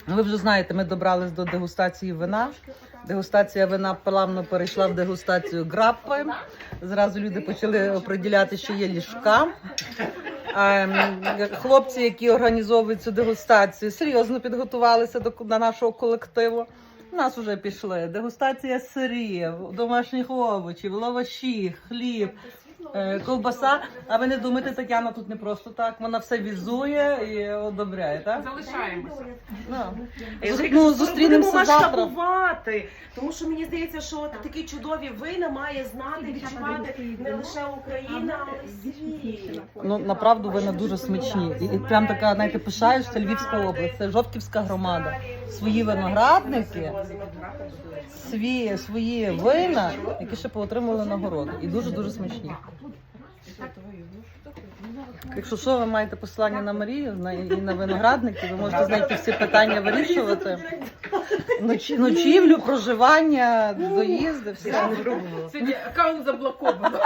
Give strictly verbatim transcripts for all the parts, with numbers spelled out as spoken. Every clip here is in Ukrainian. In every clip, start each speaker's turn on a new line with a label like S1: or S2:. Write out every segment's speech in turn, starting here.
S1: Ви вже знаєте, ми добрались до дегустації вина. Дегустація вина плавно перейшла в дегустацію граппи. Зразу люди почали оприділяти, що є ліжка. Хлопці, які організовують цю дегустацію, серйозно підготувалися до, до нашого колективу. У нас вже пішли дегустація сирів, домашніх овочів, лаваші, хліб, ковбаса. А ви не думаєте, Тетяна тут не просто так, вона все візує і одобряє, так?
S2: Залишаємося.
S1: No. Ну, зустрінемося завтра.
S3: Масштабувати, тому що мені здається, що такі чудові вина має знати, відчувати не лише Україна, але й світ.
S1: Ну, направду вина дуже смачні. І, і прям така, знаєте, пишаєшся, Львівська область, це Жовківська громада. Свої виноградники, свої, свої вина, які ще поотримували нагороди. І дуже-дуже смачні. Якщо що, ви маєте посилання на Марію на, і на виноградники, ви можете знайти всі питання вирішувати. Ночі, ночівлю, проживання, доїзди, все.
S2: Сьогодні аккаунт заблоковано.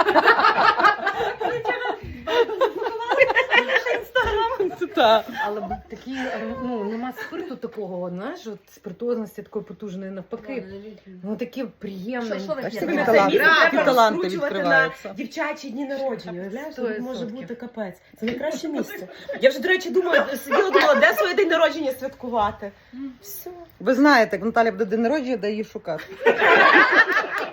S1: Так.
S4: Але б такі, ну, нема спирту такого, знаєш, от спиртозності такої потужної, навпаки. Ну, таке приємне.
S1: Бачите,
S3: Це
S1: які таланти,
S3: місце
S1: які
S3: треба
S1: таланти
S3: розкручувати
S1: відкриваються.
S3: на дівчачі дні народження. Уявляєш,
S4: Сто
S3: тут може
S4: відсотків.
S3: бути капець. Це найкраще місце. Я вже, до речі, думаю, сиділа, думала, де своє день народження святкувати. Все.
S1: Ви знаєте, як Наталя буде день народження, де її шукати.